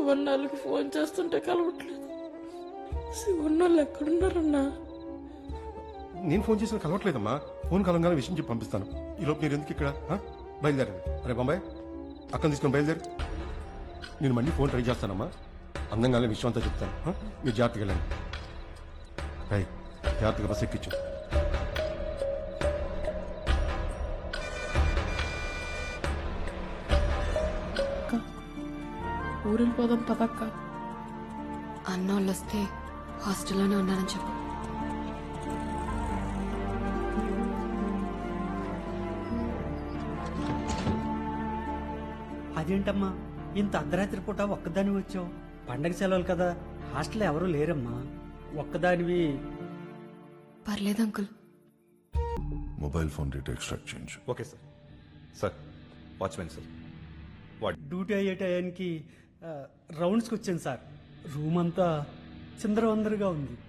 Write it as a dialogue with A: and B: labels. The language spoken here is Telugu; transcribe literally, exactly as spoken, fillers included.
A: శివన్నాళ్ళకి ఫోన్ చేస్తుంటే కలవట్లేదు. శివన్నాళ్ళు ఎక్కడున్నారన్నా?
B: నేను ఫోన్ చేసిన కలవట్లేదమ్మా. ఫోన్ కలంగానే విషయం చెప్పి పంపిస్తాను. ఈలోపు మీరు ఎందుకు ఇక్కడ ఆ? బయలుదేరండి. అరే బాబాయ్, అక్కని తీసుకొని బయలుదేరు. నేను మళ్ళీ ఫోన్ ట్రై చేస్తానమ్మా. అందంగానే విషయం అంతా చెప్తాను. ఆ? మీరు జాగ్రత్తగా వెళ్ళండి. రై, జాగ్రత్తగా బస్ ఎక్కించు.
A: ఊరెళ్ళిపోదాం పదక్క.
C: అన్నోళ్ళు వస్తే హాస్టల్లోనే ఉన్నానని చెప్పు.
D: అదేంటమ్మా ఇంత అర్ధరాత్రి పూట ఒక్కదాని వచ్చావు? పండగ సెలవులు కదా, హాస్టల్లో ఎవరూ లేరమ్మా. ఒక్కదానివి.
C: పర్లేదు uncle.
E: Mobile phone data extract చేయించు.
F: Okay sir. Sir, watchman sir.
D: Duty అయ్యే టయానికి ఆ, రౌండ్స్కి వచ్చాను సార్. రూమ్ అంతా చిందరవందరగా ఉంది.